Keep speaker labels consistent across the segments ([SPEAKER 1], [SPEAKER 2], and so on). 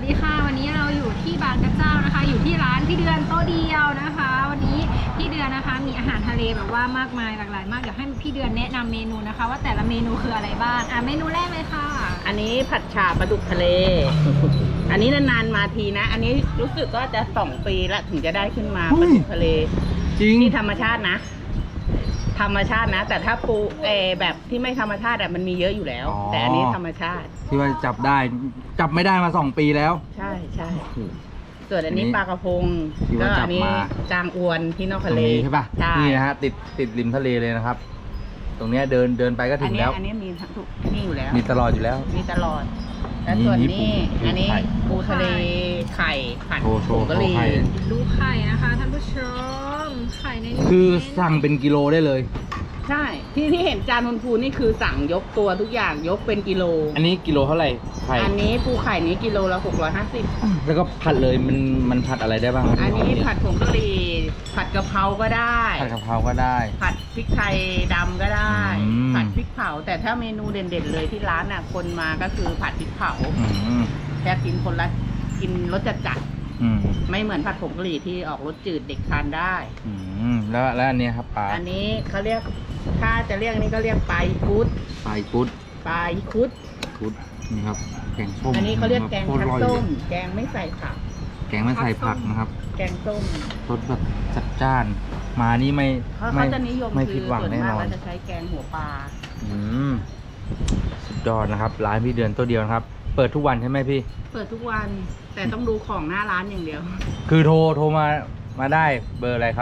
[SPEAKER 1] ดีค่ะวันนี้เราอยู่ที่บางกระเจ้านะคะอยู่ที่ร้านพี่เดือนโต๊ะเดียวนะคะวันนี้พี่เดือนนะคะมีอาหารทะเลแบบว่ามากมายหลากหลายมากเดี๋ยวให้พี่เดือนแนะนำเมนูนะคะว่าแต่ละเมนูคืออะไรบ้างเมนูแรกเลยค่ะ
[SPEAKER 2] อันนี้ผัดฉ่าปลาดุกทะเล อันนี้นานๆมาทีนะ อันนี้รู้สึกก็จะ2 ปีละถึงจะได้ขึ้นมาปลาดุกทะเล
[SPEAKER 3] จริง
[SPEAKER 2] ที่ธรรมชาตินะ ธรรมชาตินะ แต่ถ้าปูแบบที่ไม่ธรรมชาติมันมีเยอะอยู่แล้ว แต่อันนี้ธรรมชาติ
[SPEAKER 3] ที่ว่าจับได้จับไม่ได้มา2 ปีแล้ว
[SPEAKER 2] ใช่ใช่ส่วนอันนี้ปลากระพง
[SPEAKER 3] ที่ว่าจับมา
[SPEAKER 2] จางอวนที่นอกทะเล
[SPEAKER 3] ใช่ป่ะนี่นะฮะติดริมทะเลเลยนะครับ ตรงเนี้ยเดินไปก็ถึงแล้ว
[SPEAKER 2] อันนี้มีทุกนี่อยู่แล้ว
[SPEAKER 3] มีตลอดอยู่แล้ว
[SPEAKER 2] มีตลอดแล้วส่วนนี้อันนี้ปูทะเลไข่ผัดผงกะหรี่
[SPEAKER 1] ดูไข่นะคะท่านผู้ชมไข่ในนี้
[SPEAKER 3] คือสั่งเป็นกิโลได้เลย
[SPEAKER 2] ใช่ที่เห็นจานพูนนี่คือสั่งยกตัวทุกอย่างยกเป็นกิโล
[SPEAKER 3] อันนี้กิโลเท่าไหร่ไข่
[SPEAKER 2] อันนี้ปูไข่นี้กิโลละ650
[SPEAKER 3] แล้วก็ผัดเลยมันผัดอะไรได้บ้าง
[SPEAKER 2] อันนี้ผัดผงกะหรี่ผัดกะเพราก็ได้
[SPEAKER 3] ผัดกะเพราก็ได้
[SPEAKER 2] ผัดพริกไทยดำก็ได้
[SPEAKER 3] อืม
[SPEAKER 2] ผัดพริกเผาแต่ถ้าเมนูเด่นๆเลยที่ร้านน่ะคนมาก็คือผัดพริกเผา
[SPEAKER 3] อืม
[SPEAKER 2] แค่กินรสจัด
[SPEAKER 3] อืม
[SPEAKER 2] ๆไม่เหมือนผัดผงกะหรี่ที่ออกรสจืดเด็กทานได้
[SPEAKER 3] อืมแล้วอันนี้ครับปลา
[SPEAKER 2] อันนี้เขาเรียกถ้าจะเรียกนี่ก็เรียกปลาอีคุด
[SPEAKER 3] ปลากุด
[SPEAKER 2] ปลาอีคุด
[SPEAKER 3] นี่ครับแกงส้ม
[SPEAKER 2] อันนี้เขาเรียกแกง
[SPEAKER 3] โคตร
[SPEAKER 2] คั
[SPEAKER 3] อ
[SPEAKER 2] ด
[SPEAKER 3] ร่อย
[SPEAKER 2] ส้
[SPEAKER 3] เล
[SPEAKER 2] ม
[SPEAKER 3] ย
[SPEAKER 2] แกงไม่ใส่ผัก
[SPEAKER 3] แกงไม่ใส่ผักนะครับ
[SPEAKER 2] แกงส้ม
[SPEAKER 3] รสแบบจัดจ้าน มานี่ไม่
[SPEAKER 2] เขาจะนิยม
[SPEAKER 3] ไม่
[SPEAKER 2] คื
[SPEAKER 3] ผิดหวัง
[SPEAKER 2] ส่วน
[SPEAKER 3] แน่
[SPEAKER 2] มาก
[SPEAKER 3] นอน
[SPEAKER 2] เราจะใช้แกงหัวปลา
[SPEAKER 3] อืมสุดยอดนะครับ ร้านพี่เดือนตัวเดียวนะครับ เปิดทุกวันใช่ไหมพี่
[SPEAKER 2] เปิดทุกวันแต่ต้องดูของหน้าร้านอย่างเดียว
[SPEAKER 3] คือโทรมาได้เบอร์อะไรครับ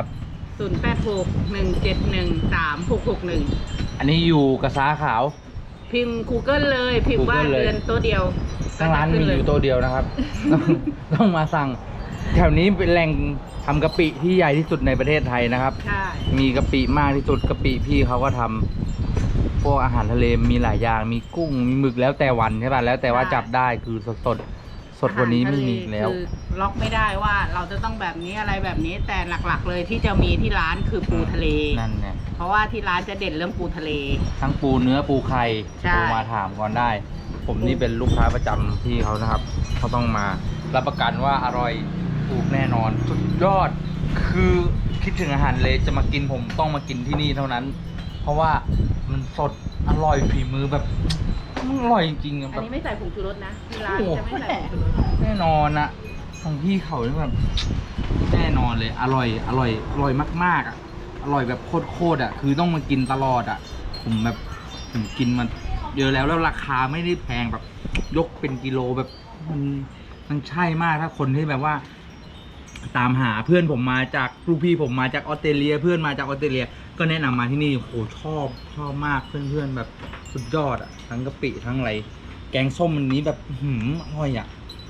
[SPEAKER 2] 0861713661
[SPEAKER 3] อันนี้อยู่กระซ้าขาว
[SPEAKER 2] พิมพ์ Google เลยพิมพ์ว่า
[SPEAKER 3] Google เลย
[SPEAKER 2] เดือนตัวเดียว
[SPEAKER 3] ทั้งร้านมีอยู่ตัวเดียวนะครับ ต้องมาสั่ง แถวนี้เป็นแหล่งทำกะปิที่ใหญ่ที่สุดในประเทศไทยนะครับ
[SPEAKER 2] ใช่
[SPEAKER 3] มีกะปิมากที่สุดกะปิพี่เขาก็ทำพวกอาหารทะเลมีหลายอย่างมีกุ้งมีหมึกแล้วแต่วันใช่ป่ะแล้วแต่ว่าจับได้คือสดกว่านี้ไม่มีอีกแล้ว
[SPEAKER 2] คือล็อกไม่ได้ว่าเราจะต้องแบบนี้อะไรแบบนี้แต่หลักๆเลยที่จะมีที่ร้านคือปูทะเล
[SPEAKER 3] นั่นเนี่ย
[SPEAKER 2] เพราะว่าที่ร้านจะเด่นเรื่องปูทะเล
[SPEAKER 3] ทั้งปูเนื้อปูไข่
[SPEAKER 2] ใช่
[SPEAKER 3] โทรมาถามก่อนได้ ผมนี่เป็นลูกค้าประจำที่เขานะครับเขาต้องมารับประกันว่าอร่อยถูกแน่นอนสุดยอดคือคิดถึงอาหารเลยจะมากินผมต้องมากินที่นี่เท่านั้น เพราะว่ามันสดอร่อยฝีมือแบบมันอร่อยจริงๆอะ
[SPEAKER 2] อั
[SPEAKER 3] แบ
[SPEAKER 2] น
[SPEAKER 3] บ
[SPEAKER 2] นี้ไม่ใส่ผงชูรสนะที่ร้านจะไม่ใส่ผงชูรส
[SPEAKER 3] แน่นอนอะของพี่เขาเนี่ยแบบแน่นอนเลยอร่อยมากๆอะอร่อยแบบโคตรอะคือต้องมากินตลอดอะผมกินมันเยอะแล้วราคาไม่ได้แพงแบบยกเป็นกิโลแบบมันใช่มากถ้าคนที่แบบว่า ตามหาเพื่อนผมมาจากลูกพี่ผมมาจากออสเตรเลียเพื่อนมาจากออสเตรเลียก็แนะนำมาที่นี่โหชอบมากเพื่อนแบบสุดยอดอะทั้งกะปิทั้งอะไรแกงส้มมันนี้แบบอร่อยอะ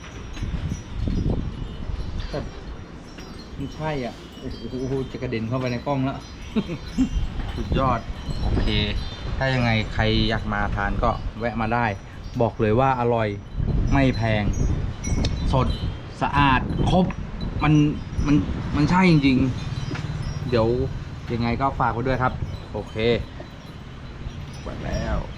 [SPEAKER 3] แบบไม่ใช่อ่ะโอ้โหจะกระเด็นเข้าไปในกล้องแล้ว สุดยอดโอเค ถ้ายังไงใครอยากมาทานก็แวะมาได้ บอกเลยว่าอร่อยไม่แพง สดสะอาดครบมันใช่จริงๆเดี๋ยวยังไงก็ฝากไว้ด้วยครับโอเคไปแล้ว